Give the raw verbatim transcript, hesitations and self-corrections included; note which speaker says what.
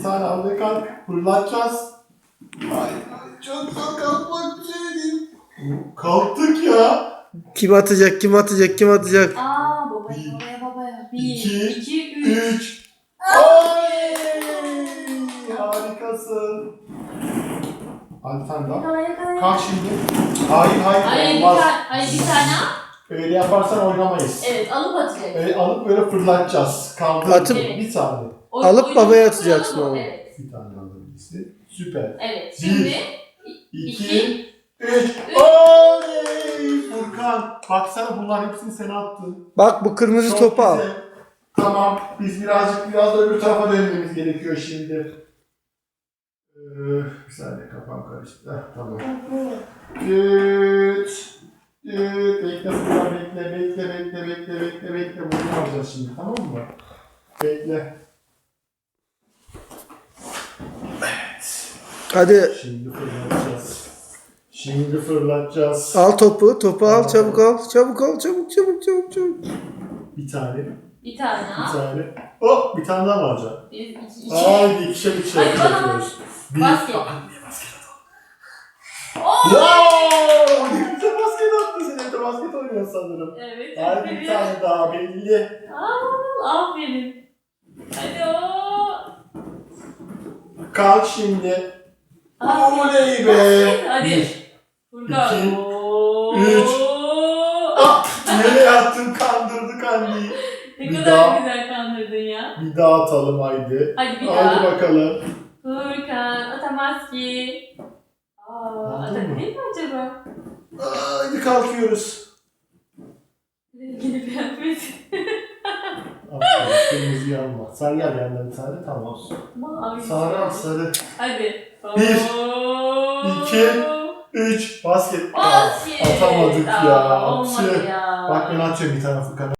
Speaker 1: tane hamle kalk. Fırlatacağız. Ay, çok zor kalkmak bir şey değil. Kalktık ya.
Speaker 2: Kim atacak, kim atacak, kim atacak?
Speaker 3: Aa babaya
Speaker 1: Bir,
Speaker 3: babaya babaya. Bir,
Speaker 1: iki,
Speaker 3: iki, üç.
Speaker 1: Üç. Ay! Harikasın. Hadi sen daha.
Speaker 3: Yakala yakala.
Speaker 1: Kalk şimdi. Hayır hayır,
Speaker 3: Hayır bir
Speaker 1: olmaz.
Speaker 3: tane, hayır bir tane al.
Speaker 1: Öyle yaparsan oynamayız.
Speaker 3: Evet alıp atacak.
Speaker 1: Öyle alıp böyle fırlatacağız. Kaldır.
Speaker 2: Atıp-
Speaker 1: Bir saniye.
Speaker 3: Oy-
Speaker 2: Alıp
Speaker 3: oyunu
Speaker 2: babaya
Speaker 3: kuralım
Speaker 2: atacaksın
Speaker 3: mı?
Speaker 2: onu.
Speaker 3: Evet.
Speaker 1: Bir tane alabilirsin. Süper.
Speaker 3: Evet.
Speaker 1: Bir,
Speaker 3: Şimdi
Speaker 1: İki,
Speaker 3: iki,
Speaker 1: üç. Oley! Furkan, baksana bunların hepsini sen attın.
Speaker 2: Bak bu kırmızı
Speaker 1: Çok
Speaker 2: topu al.
Speaker 1: güzel. Tamam, biz birazcık biraz da öbür tarafa dönmemiz gerekiyor şimdi. Ee, bir saniye kafam karıştı. Heh, tamam. Düt. Düt. Bekle Furkan, bekle, bekle, bekle, bekle, bekle, bekle. Bunu yapacağız şimdi, tamam mı? Bekle.
Speaker 2: Hadi
Speaker 1: Şimdi fırlatacağız. Şimdi fırlatacağız.
Speaker 2: al topu, topu al, çabuk al. Çabuk al, çabuk, çabuk, çabuk, çabuk.
Speaker 1: Bir tane,
Speaker 3: bir tane
Speaker 1: bir
Speaker 3: al.
Speaker 1: tane. Oh, bir tane daha mı alacaksın?
Speaker 3: Bir, iki, iki.
Speaker 1: Haydi ikişer ikişer
Speaker 3: Hadi bana
Speaker 1: yapıyoruz. Bir.
Speaker 3: basket.
Speaker 1: Anne basket at.
Speaker 3: Oo!
Speaker 1: Wow! Ne güzel basket attın sen. Evde basket oynuyorsun sanırım.
Speaker 3: Evet.
Speaker 1: Haydi bir tane daha belli.
Speaker 3: Aa, aferin. Hadi o.
Speaker 1: Kalk şimdi.
Speaker 3: Aferin.
Speaker 1: Oley be.
Speaker 3: Hadi.
Speaker 1: Bir.
Speaker 3: Furkan.
Speaker 1: iki,
Speaker 3: Oo.
Speaker 1: üç. Ah, nereye attın, kandırdık anneyi.
Speaker 3: Ne
Speaker 1: Bir
Speaker 3: kadar
Speaker 1: daha.
Speaker 3: güzel kandırdın ya.
Speaker 1: Bir daha atalım haydi.
Speaker 3: Hadi bir
Speaker 1: Haydi
Speaker 3: daha.
Speaker 1: bakalım.
Speaker 3: Furkan atamaz ki. Aa,
Speaker 1: Aldın mı?
Speaker 3: atabilir mi acaba?
Speaker 1: Haydi kalkıyoruz.
Speaker 3: Rengini beğenmedim.
Speaker 1: Aferin, kırmızı yanma. Sarı gel yanına bir tane, tamam.
Speaker 3: Mavi.
Speaker 1: Sarı al, sarı.
Speaker 3: Hadi.
Speaker 1: Bir,
Speaker 3: Oo.
Speaker 1: iki, Üç. Basket.
Speaker 3: Basket.
Speaker 1: Atamadık ya.
Speaker 3: Aa, olmadı
Speaker 1: Tüh.
Speaker 3: ya.
Speaker 1: Bak ben atıyorum bir tane Furkan.